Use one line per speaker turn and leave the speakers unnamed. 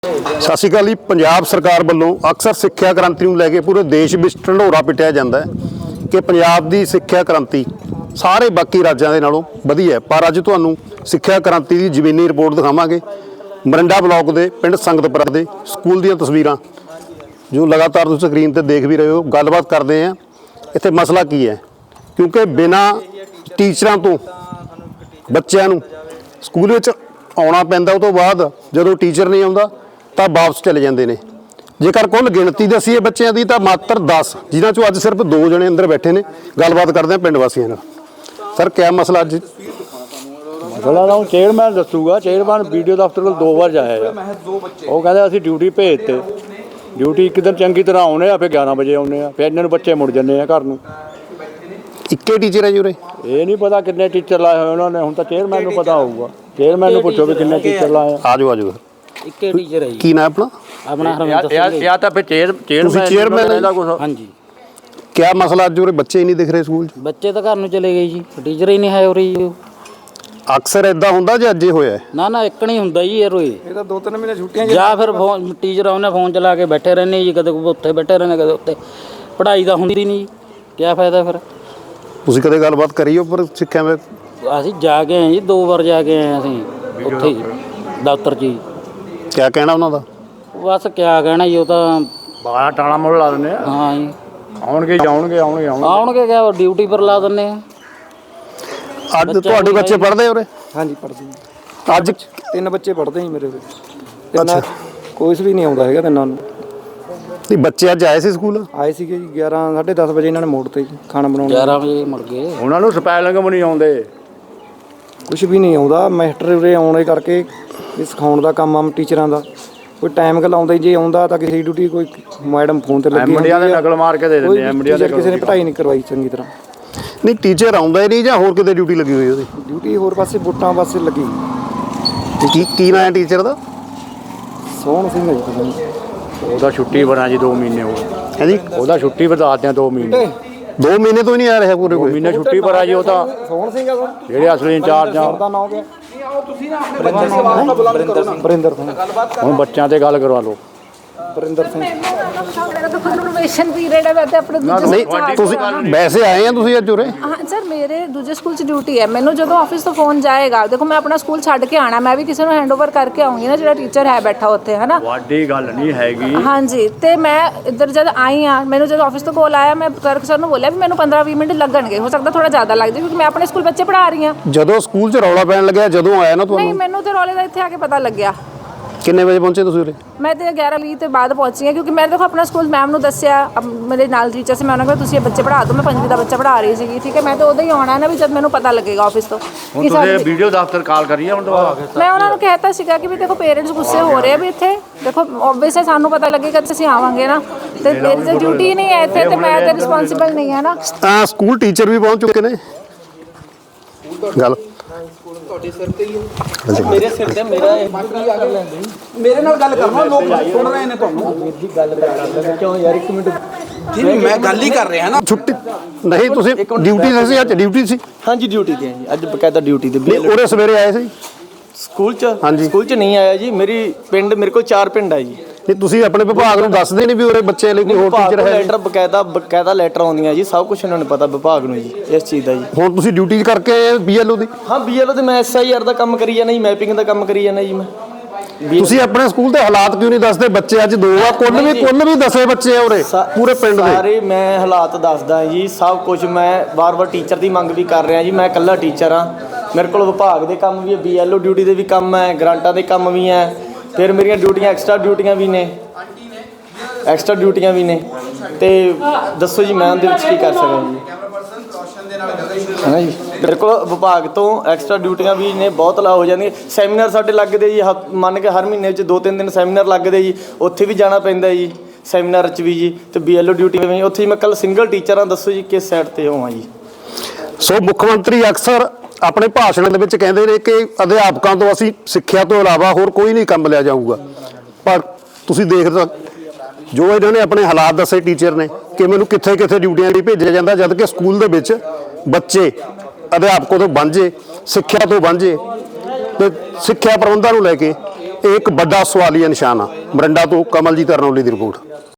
ਸਤਿ ਸ਼੍ਰੀ ਅਕਾਲ ਜੀ। ਪੰਜਾਬ ਸਰਕਾਰ ਵੱਲੋਂ ਅਕਸਰ ਸਿੱਖਿਆ ਕ੍ਰਾਂਤੀ ਨੂੰ ਲੈ ਕੇ ਪੂਰੇ ਦੇਸ਼ ਵਿੱਚ ਢੰਡੋਰਾ ਪਿੱਟਿਆ ਜਾਂਦਾ ਹੈ ਕਿ ਪੰਜਾਬ ਦੀ ਸਿੱਖਿਆ ਕ੍ਰਾਂਤੀ ਸਾਰੇ ਬਾਕੀ ਰਾਜਾਂ ਦੇ ਨਾਲੋਂ ਵਧੀਆ ਹੈ। ਪਰ ਅੱਜ ਤੁਹਾਨੂੰ ਸਿੱਖਿਆ ਕ੍ਰਾਂਤੀ ਦੀ ਜ਼ਮੀਨੀ ਰਿਪੋਰਟ ਦਿਖਾਵਾਂਗੇ। ਮਰਿੰਡਾ ਬਲਾਕ ਦੇ ਪਿੰਡ ਸੰਗਤਪੁਰਾ ਦੇ ਸਕੂਲ ਦੀਆਂ ਤਸਵੀਰਾਂ ਜੋ ਲਗਾਤਾਰ ਤੁਸੀਂ ਸਕਰੀਨ ਤੇ ਦੇਖ ਵੀ ਰਹੇ ਹੋ। ਗੱਲਬਾਤ ਕਰਦੇ ਹਾਂ ਇੱਥੇ ਮਸਲਾ ਕੀ ਹੈ, ਕਿਉਂਕਿ ਬਿਨਾਂ ਟੀਚਰਾਂ ਤੋਂ ਬੱਚਿਆਂ ਨੂੰ ਸਕੂਲ ਵਿੱਚ ਆਉਣਾ ਪੈਂਦਾ। ਉਹ ਤੋਂ ਬਾਅਦ ਜਦੋਂ ਟੀਚਰ ਨਹੀਂ ਆਉਂਦਾ ਤਾਂ ਵਾਪਸ ਚਲੇ ਜਾਂਦੇ ਨੇ। ਜੇਕਰ ਕੁੱਲ ਗਿਣਤੀ ਦੱਸੀਏ ਬੱਚਿਆਂ ਦੀ ਤਾਂ ਮਾਤਰ 10, ਜਿਨ੍ਹਾਂ ਚੋਂ ਅੱਜ ਸਿਰਫ 2 ਜਣੇ ਅੰਦਰ ਬੈਠੇ ਨੇ। ਗੱਲਬਾਤ ਕਰਦੇ ਹਾਂ ਪਿੰਡ ਵਾਸੀਆਂ ਨਾਲ। ਸਰ ਕਿਆ ਮਸਲਾ ਅੱਜ?
ਮਸਲਾ ਤਾਂ ਚੇਅਰਮੈਨ ਦੱਸੂਗਾ। ਚੇਅਰਮੈਨ ਵੀਡੀਓ ਦਫ਼ਤਰ ਕੋਲ 2 ਵਾਰ ਜਾਇਆ ਆ। ਉਹ ਕਹਿੰਦੇ ਅਸੀਂ ਡਿਊਟੀ ਭੇਜਤੇ। ਡਿਊਟੀ ਇੱਕ ਦਿਨ ਚੰਗੀ ਤਰ੍ਹਾਂ ਆਉਣੇ ਆ, ਫਿਰ 11 ਵਜੇ ਆਉਣੇ ਆ, ਫਿਰ ਇਹਨਾਂ ਨੂੰ ਬੱਚੇ ਮੁੜ ਜਾਂਦੇ ਆ ਘਰ ਨੂੰ।
ਇੱਕੇ ਟੀਚਰ ਹੈ ਜੀ ਉਰੇ?
ਇਹ ਨਹੀਂ ਪਤਾ ਕਿੰਨੇ ਟੀਚਰ ਲਾਏ ਹੋਏ ਉਹਨਾਂ ਨੇ। ਹੁਣ ਤਾਂ ਚੇਅਰਮੈਨ ਨੂੰ ਪਤਾ ਹੋਊਗਾ। ਚੇਅਰਮੈਨ ਨੂੰ ਪੁੱਛੋ ਵੀ ਕਿੰਨੇ ਟੀਚਰ ਲਾਏ ਆ।
ਆਜੋ ਆਜੋ।
ਇੱਕੇ ਟੀਚਰ ਹੈ ਜੀ।
ਕੀ ਨਾਮ
ਆਪਣਾ ਹਰਮਿੰਦਰ ਸਿੰਘ।
ਜਾਂ ਤਾਂ ਫਿਰ ਚੇਅਰਮੈਨ ਦਾ ਕੁਝ।
ਹਾਂਜੀ।
ਕਿਆ ਮਸਲਾ ਅੱਜ ਉਰੇ? ਬੱਚੇ ਹੀ ਨਹੀਂ ਦਿਖ ਰਹੇ ਸਕੂਲ 'ਚ।
ਬੱਚੇ ਤਾਂ ਘਰ ਨੂੰ ਚਲੇ ਗਏ ਜੀ, ਟੀਚਰ ਹੀ ਨਹੀਂ ਹੈ ਉਰੇ ਜੀ।
ਅਕਸਰ ਇਦਾਂ ਹੁੰਦਾ ਜਾਂ ਅੱਜ ਹੀ ਹੋਇਆ?
ਨਾ ਇੱਕ ਨਹੀਂ ਹੁੰਦਾ ਜੀ। ਇਹ ਰੋਏ
ਇਹ ਤਾਂ 2-3 ਮਹੀਨੇ ਛੁੱਟੀਆਂ
ਜਾਂ ਫਿਰ ਫੋਨ ਟੀਚਰ ਆਉਂਦੇ ਫੋਨ ਚਲਾ ਕੇ ਬੈਠੇ ਰਹਿੰਦੇ ਜੀ। ਕਦੇ ਉੱਥੇ ਬੈਠੇ ਰਹਿੰਦੇ, ਕਦੇ ਉੱਤੇ। ਪੜ੍ਹਾਈ ਤਾਂ ਹੁੰਦੀ ਨਹੀਂ ਜੀ, ਕਿਆ ਫਾਇਦਾ ਫਿਰ?
ਤੁਸੀਂ ਕਦੇ ਗੱਲਬਾਤ ਕਰੀ ਹੋ ਪਰ ਸਿੱਖਿਆ ਵਿੱਚ?
ਅਸੀਂ ਜਾ ਕੇ ਆਏ ਜੀ, 2 ਵਾਰ ਜਾ ਕੇ ਆਏ ਅਸੀਂ ਉੱਥੇ ਦਫ਼ਤਰ 'ਚ ਜੀ।
ਕਿਆ ਕਹਿਣਾ ਉਹਨਾਂ ਦਾ?
ਬਸ ਕਿਆ ਕਹਿਣਾ ਜੀ, ਉਹ ਤਾਂ
ਬਾਹਲਾ ਟਾਣਾ ਮੁੱਲ ਲਾ ਦਿੰਦੇ ਆ।
ਹਾਂ ਜੀ,
ਆਉਣਗੇ
ਆਉਣਗੇ ਕਿਆ ਡਿਊਟੀ ਪਰ ਲਾ ਦਿੰਦੇ ਆ।
ਅੱਜ ਤੁਹਾਡੇ ਬੱਚੇ ਪੜ੍ਹਦੇ ਉਰੇ?
ਹਾਂਜੀ ਪੜ੍ਹਦੇ।
ਅੱਜ
3 ਬੱਚੇ ਪੜ੍ਹਦੇ ਸੀ ਮੇਰੇ ਕੋਲ। ਕੋਈ ਵੀ ਨਹੀਂ ਆਉਂਦਾ ਹੈਗਾ ਤਿੰਨਾਂ ਨੂੰ।
ਨਹੀਂ ਬੱਚੇ ਅੱਜ ਆਏ ਸੀ ਸਕੂਲ?
ਆਏ ਸੀਗੇ ਜੀ 11 10:30 ਵਜੇ ਇਹਨਾਂ ਨੇ ਮੋੜ ਤੇ ਖਾਣਾ ਬਣਾਉਣਾ।
11 ਵਜੇ ਮੁੜ ਗਏ।
ਉਹਨਾਂ ਨੂੰ ਸਪੈਲਿੰਗ ਵੀ ਨਹੀਂ ਆਉਂਦੇ,
ਕੁਝ ਵੀ ਨਹੀਂ ਆਉਂਦਾ। ਮਾਸਟਰ ਉਰੇ ਆਉਣੇ ਕਰਕੇ ਇਹ ਸਿਖਾਉਣ ਦਾ ਕੰਮ ਆ ਟੀਚਰਾਂ ਦਾ। ਕੋਈ ਟਾਈਮ ਗੱਲ ਆਉਂਦਾ ਜੇ ਆਉਂਦਾ ਤਾਂ ਕਿਸੇ ਦੀ ਡਿਊਟੀ ਕੋਈ ਮੈਡਮ ਫੋਨ ਤੇ ਲੱਗੀ
ਐਮਡੀਆਂ ਦੇ ਨਕਲ ਮਾਰ ਕੇ ਦੇ ਦਿੰਦੇ ਆ। ਐਮਡੀਆਂ ਦੇ
ਕਿਸੇ ਨੇ ਪੜ੍ਹਾਈ ਨਹੀਂ ਕਰਵਾਈ ਚੰਗੀ ਤਰ੍ਹਾਂ।
ਨਹੀਂ ਟੀਚਰ ਆਉਂਦਾ ਹੀ ਨਹੀਂ ਜਾਂ ਹੋਰ ਕਿਤੇ ਡਿਊਟੀ ਲੱਗੀ ਹੋਈ ਉਹਦੀ?
ਡਿਊਟੀ ਹੋਰ ਪਾਸੇ ਵੋਟਾਂ ਪਾਸੇ ਲੱਗੀ।
ਕੀ ਨਾਂ ਹੈ ਟੀਚਰ ਦਾ?
ਸੋਹਣ ਸਿੰਘ ਹੈ ਜੀ ਪਤਾ ਨਹੀਂ।
ਉਹਦਾ ਛੁੱਟੀ ਬਣਾ ਜੀ 2 ਮਹੀਨੇ ਹੋ
ਹੈ ਜੀ।
ਉਹਦਾ ਛੁੱਟੀ ਵਧਾ ਦਿਆਂ 2 ਮਹੀਨੇ।
2 ਮਹੀਨੇ ਤੋਂ ਹੀ ਨਹੀਂ ਆ ਰਿਹਾ ਪੂਰੇ?
2 ਮਹੀਨੇ ਛੁੱਟੀ ਪਰ ਆ ਜੀ। ਉਹ ਤਾਂ
ਸੋਹਣ ਸਿੰਘ ਆ
ਜਿਹੜੇ ਅਸਲੀ ਇੰਚਾਰਜ ਆ।
ਦਾ ਨਾਮ ਕਿਆ? ਬਰਿੰਦਰ ਸਿੰਘ।
ਹੁਣ ਬੱਚਿਆਂ ਤੇ ਗੱਲ ਕਰਵਾ ਲਓ।
ਬਰਿੰਦਰ ਸਿੰਘ।
ਕਨਵਰਸੇਸ਼ਨ ਪੀਰੀਅਡ ਹੈ। ਵੈਸੇ ਆਪਣੇ ਦੂਜੇ
ਨਹੀਂ ਤੁਸੀਂ ਵੈਸੇ ਆਏ ਆ ਤੁਸੀਂ ਅੱਜ ਉਰੇ?
ਹਾਂ ਸਰ, ਮੇਰੇ ਦੂਜੇ ਸਕੂਲ 'ਚ ਡਿਊਟੀ ਹੈ। ਮੈਨੂੰ ਜਦੋਂ ਆਫਿਸ ਤੋਂ ਫੋਨ ਜਾਏਗਾ, ਦੇਖੋ ਮੈਂ ਆਪਣਾ ਸਕੂਲ ਛੱਡ ਕੇ ਆਣਾ, ਮੈਂ ਵੀ ਕਿਸੇ ਨੂੰ ਹੈਂਡਓਵਰ ਕਰਕੇ ਆਉਂਗੀ ਨਾ, ਜਿਹੜਾ ਟੀਚਰ ਹੈ ਬੈਠਾ ਉੱਥੇ, ਹੈ ਨਾ।
ਵੱਡੀ ਗੱਲ ਨਹੀਂ ਹੈਗੀ।
ਹਾਂਜੀ। ਤੇ ਮੈਂ ਇੱਧਰ ਜਦ ਆਈ ਹਾਂ, ਮੈਨੂੰ ਜਦੋਂ ਆਫਿਸ ਤੋਂ ਕੋਲ ਆਇਆ, ਮੈਂ ਕਲਰਕ ਸਰ ਨੂੰ ਬੋਲਿਆ ਵੀ ਮੈਨੂੰ 15-20 ਮਿੰਟ ਲੱਗਣਗੇ। ਹੋ ਸਕਦਾ ਥੋੜਾ ਜ਼ਿਆਦਾ ਲੱਗ ਜਾਏ ਕਿਉਂਕਿ ਮੈਂ ਆਪਣੇ ਸਕੂਲ ਬੱਚੇ ਪੜ੍ਹਾ ਰਹੀ ਹਾਂ।
ਜਦੋਂ ਸਕੂਲ 'ਚ ਰੌਲਾ ਪੈਣ ਲੱਗਿਆ ਜਦੋਂ ਆਇਆ ਨਾ
ਨਹੀਂ,
ਤੁਹਾਨੂੰ?
ਮੈਨੂੰ ਤੇ ਰੌਲੇ ਦਾ ਇੱਥੇ ਆ ਕੇ ਪਤਾ ਲੱਗਿਆ।
ਕਿੰਨੇ ਵਜੇ ਪਹੁੰਚੇ ਤੁਸੀਂ ਉਰੇ?
ਮੈਂ ਤੇ 11:20 ਤੋਂ ਬਾਅਦ ਪਹੁੰਚੀ ਹਾਂ ਕਿਉਂਕਿ ਮੈਂ ਦੇਖੋ ਆਪਣਾ ਸਕੂਲ ਮੈਮ ਨੂੰ ਦੱਸਿਆ। ਮੇਰੇ ਨਾਲ ਟੀਚਰ ਸੀ, ਮੈਂ ਉਹਨਾਂ ਕੋਲ ਤੁਸੀਂ ਇਹ ਬੱਚੇ ਪੜ੍ਹਾ ਦਿਓ। ਮੈਂ 5ਵੀਂ ਦਾ ਬੱਚਾ ਪੜ੍ਹਾ ਰਹੀ ਸੀਗੀ, ਠੀਕ ਹੈ। ਮੈਂ ਤਾਂ ਉਦੋਂ ਹੀ ਆਉਣਾ ਨਾ ਵੀ ਜਦ ਮੈਨੂੰ ਪਤਾ ਲੱਗੇਗਾ ਆਫਿਸ ਤੋਂ।
ਹੁਣ ਤੁਸੀਂ ਵੀਡੀਓ ਦਫ਼ਤਰ ਕਾਲ ਕਰੀਏ ਹੁਣ ਦੁਬਾਰਾ?
ਮੈਂ ਉਹਨਾਂ ਨੂੰ ਕਹਿਤਾ ਸੀਗਾ ਕਿ ਵੀ ਦੇਖੋ ਪੇਰੈਂਟਸ ਗੁੱਸੇ ਹੋ ਰਹੇ ਆ ਵੀ ਇੱਥੇ ਦੇਖੋ ਓਬਵੀਅਸ ਹੈ, ਸਾਨੂੰ ਪਤਾ ਲੱਗੇਗਾ ਤੇ ਅਸੀਂ ਆਵਾਂਗੇ ਨਾ। ਤੇ ਮੇਰੀ ਤਾਂ ਡਿਊਟੀ ਨਹੀਂ ਹੈ ਇੱਥੇ, ਤੇ ਮੈਂ ਤਾਂ ਰਿਸਪੌਂਸਿਬਲ ਨਹੀਂ ਹੈ ਨਾ।
ਸਕੂਲ ਟੀਚਰ ਵੀ ਪਹੁੰਚ ਚੁੱਕੇ ਨੇ। ਗੱਲ
ਤੁਹਾਡੇ ਸਿਰ ਤੇ ਹੀ ਹੈ। ਮੇਰੇ ਸਿਰ ਤੇ ਮੇਰਾ ਮੇਰੇ ਨਾਲ ਗੱਲ ਕਰਨਾ। ਲੋਕ ਸੁਣ ਰਹੇ ਨੇ ਤੁਹਾਨੂੰ। ਮੇਰੀ ਗੱਲ ਕਰ ਕਿਉਂ ਯਾਰ? 1 ਮਿੰਟ ਜੀ, ਮੈਂ ਗੱਲ ਹੀ ਕਰ ਰਿਹਾ ਨਾ।
ਛੁੱਟੀ ਨਹੀਂ ਤੁਸੀਂ ਡਿਊਟੀ ਸੀ ਅੱਜ? ਡਿਊਟੀ ਸੀ?
ਹਾਂਜੀ ਡਿਊਟੀ ਤੇ ਜੀ ਅੱਜ ਬਕਾਇਦਾ ਡਿਊਟੀ ਤੇ।
ਨਹੀਂ ਉਰੇ ਸਵੇਰੇ ਆਏ ਸੀ
ਸਕੂਲ ਚ?
ਹਾਂਜੀ।
ਸਕੂਲ ਚ ਨਹੀਂ ਆਇਆ ਜੀ। ਮੇਰੇ ਕੋਲ 4 ਪਿੰਡ ਆ ਜੀ।
ਨਹੀਂ ਤੁਸੀਂ ਆਪਣੇ ਵਿਭਾਗ ਨੂੰ ਦੱਸਦੇ ਨਹੀਂ ਵੀ ਉਰੇ ਬੱਚੇ ਲਈ ਕੋਈ ਹੋਰ ਟੀਚਰ ਹੈ?
ਲੈਟਰ ਬਕਾਇਦਾ ਲੈਟਰ ਆਉਂਦੀਆਂ ਜੀ। ਸਭ ਕੁਝ ਉਹਨਾਂ ਨੂੰ ਪਤਾ ਵਿਭਾਗ ਨੂੰ ਜੀ ਇਸ ਚੀਜ਼ ਦਾ ਜੀ।
ਹੁਣ ਤੁਸੀਂ ਡਿਊਟੀ ਕਰਕੇ ਆਏ BLO ਦੀ?
ਹਾਂ BLO ਤੇ ਮੈਂ SIR ਦਾ ਕੰਮ ਕਰੀ ਜਾਂਦਾ ਜੀ, ਮੈਪਿੰਗ ਦਾ ਕੰਮ ਕਰੀ ਜਾਂਦਾ ਜੀ ਮੈਂ।
ਤੁਸੀਂ ਆਪਣੇ ਸਕੂਲ ਦੇ ਹਾਲਾਤ ਕਿਉਂ ਨਹੀਂ ਦੱਸਦੇ? ਬੱਚੇ ਅੱਜ 2 ਆ, ਕੁੱਲ ਵੀ 10 ਬੱਚੇ ਆ ਉਰੇ ਪੂਰੇ ਪਿੰਡ ਦੇ।
ਸਾਰੇ ਮੈਂ ਹਾਲਾਤ ਦੱਸਦਾ ਜੀ ਸਭ ਕੁਝ। ਮੈਂ ਵਾਰ-ਵਾਰ ਟੀਚਰ ਦੀ ਮੰਗ ਵੀ ਕਰ ਰਿਹਾ ਜੀ। ਮੈਂ ਇਕੱਲਾ ਟੀਚਰ ਆ। ਮੇਰੇ ਕੋਲ ਵਿਭਾਗ ਦੇ ਕੰਮ ਵੀ ਹੈ, BLO ਡਿਊਟੀ ਦੇ ਵੀ ਕੰਮ ਹੈ, ਗ੍ਰਾਂਟਾਂ ਦੇ ਕੰਮ ਵੀ ਹੈ। ਫਿਰ ਮੇਰੀਆਂ ਡਿਊਟੀਆਂ ਐਕਸਟਰਾ ਡਿਊਟੀਆਂ ਵੀ ਨੇ। ਤੇ ਦੱਸੋ ਜੀ ਮੈਂ ਉਹਦੇ ਵਿੱਚ ਕੀ ਕਰ ਸਕਦਾ ਜੀ? ਹੈ ਨਾ ਜੀ। ਮੇਰੇ ਕੋਲ ਵਿਭਾਗ ਤੋਂ ਐਕਸਟਰਾ ਡਿਊਟੀਆਂ ਵੀ ਨੇ, ਬਹੁਤ ਲਾ ਹੋ ਜਾਂਦੀਆਂ। ਸੈਮੀਨਾਰ ਸਾਡੇ ਲੱਗਦੇ ਜੀ, ਮੰਨ ਕੇ ਹਰ ਮਹੀਨੇ ਵਿੱਚ 2-3 ਦਿਨ ਸੈਮੀਨਾਰ ਲੱਗਦੇ ਜੀ। ਉੱਥੇ ਵੀ ਜਾਣਾ ਪੈਂਦਾ ਜੀ, ਸੈਮੀਨਾਰ 'ਚ ਵੀ ਜੀ। ਤੇ BLO ਡਿਊਟੀ ਵੀ ਉੱਥੇ ਮੈਂ ਕੱਲ ਸਿੰਗਲ ਟੀਚਰ ਹਾਂ। ਦੱਸੋ ਜੀ ਕਿਸ ਸਾਈਡ ਤੇ ਹੋਵਾਂ ਜੀ?
ਸੋ ਮੁੱਖ ਮੰਤਰੀ ਅਕਸਰ ਆਪਣੇ ਭਾਸ਼ਣ ਦੇ ਵਿੱਚ ਕਹਿੰਦੇ ਨੇ ਕਿ ਅਧਿਆਪਕਾਂ ਤੋਂ ਅਸੀਂ ਸਿੱਖਿਆ ਤੋਂ ਇਲਾਵਾ ਹੋਰ ਕੋਈ ਨਹੀਂ ਕੰਮ ਲਿਆ ਜਾਊਗਾ। ਪਰ ਤੁਸੀਂ ਦੇਖਦੇ ਜੋ ਇਹਨਾਂ ਨੇ ਆਪਣੇ ਹਾਲਾਤ ਦੱਸੇ ਟੀਚਰ ਨੇ ਕਿ ਮੈਨੂੰ ਕਿੱਥੇ ਡਿਊਟੀਆਂ ਲਈ ਭੇਜਿਆ ਜਾਂਦਾ, ਜਦ ਕਿ ਸਕੂਲ ਦੇ ਵਿੱਚ ਬੱਚੇ ਅਧਿਆਪਕਾਂ ਤੋਂ ਵਾਂਝੇ, ਸਿੱਖਿਆ ਤੋਂ ਵਾਂਝੇ। ਤੇ ਸਿੱਖਿਆ ਪ੍ਰਬੰਧਾਂ ਨੂੰ ਲੈ ਕੇ ਇਹ ਇੱਕ ਵੱਡਾ ਸਵਾਲੀਆ ਨਿਸ਼ਾਨ ਆ। ਮਰਿੰਡਾ ਤੋਂ ਕਮਲਜੀਤ ਅਰਨੌਲੀ ਦੀ ਰਿਪੋਰਟ।